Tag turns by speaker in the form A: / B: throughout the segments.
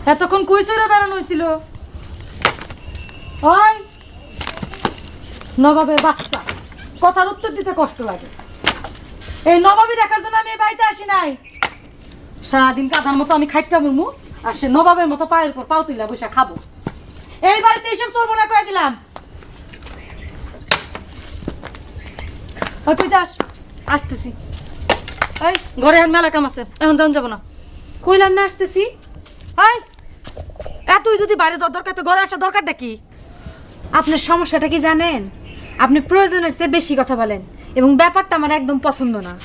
A: এতক্ষণ কই চড়ে বেড়ানো হয়েছিল? ওই নবাবের বাচ্চা, কথার উত্তর দিতে কষ্ট লাগে। এই নবাবী দেখার জন্য আমি এই বাড়িতে আসি নাই। সারাদিন কাঁধার মতো আমি খাইটা মুমু, আর সে নবাবের মতো পায়ের উপর পাও তুইলা বসে খাবো। এই বাড়িতে এইসব চলবো না কয়ে দিলাম। তুই যাস, আসতেছি। এই ঘরে এখন মেলা কাম আছে, এখন যাওয়া যাবো না।
B: কইলাম না আসতেছি।
A: এই তুই যদি বাইরে যাওয়ার দরকার তো ঘরে আসার দরকারটা কি?
B: আপনার সমস্যাটা কি জানেন? আপনি প্রয়োজনের চেয়ে বেশি কথা বলেন এবং ব্যাপারটা আমার একদম পছন্দ না।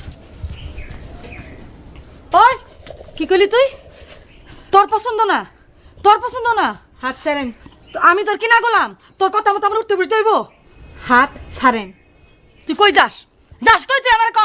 A: ওই কি কইলি তুই? তোর পছন্দ না? তোর পছন্দ না?
B: হাত ছাড়েন।
A: আমি তোর কিনা গোলাম? তোর কথা মতো আমার উঠতে বসতে হইব?
B: হাত ছাড়েন।
A: তুই কই যাস? যাস কই তুই? আমার ক।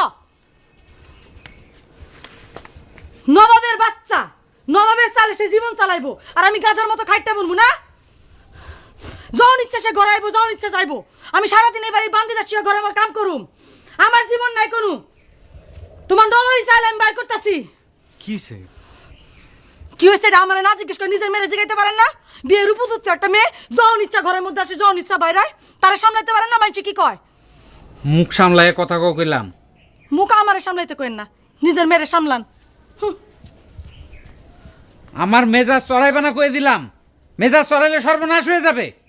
A: নবাবের বাচ্চা, নবাবের চালে সে জীবন চালাইবো, আর আমি গাধার মতো খাইটা বলবো না? যখন ইচ্ছা সে ঘরে আইবো, যখন ইচ্ছা যাইবো। আমি সারাদিন এই বাড়ি বান্দি দাসিয়া ঘরে আমার কাম করুম, আমার জীবন নাই কোনো। তোমার নবাবই চাইলে আমি বাইর করতেছি।
C: কিসে
A: কি হয়েছে এটা আমার না জিজ্ঞেস করে নিজের মেরে জিগাইতে পারেন না? বিয়ের উপযুক্ত একটা মেয়ে যখন ইচ্ছা ঘরের মধ্যে আসে, যখন ইচ্ছা বাইরে হয়, তারা সামলাইতে পারেন না? মানুষ কি কয়?
C: মুখ সামলায় কথা কইলাম।
A: মুখ আমারে সামলাইতে কইেন না, নিজের মেরে সামলান।
C: আমার মেজাজ চড়াইবে না কয়ে দিলাম। মেজাজ চড়াইলে সর্বনাশ হয়ে যাবে।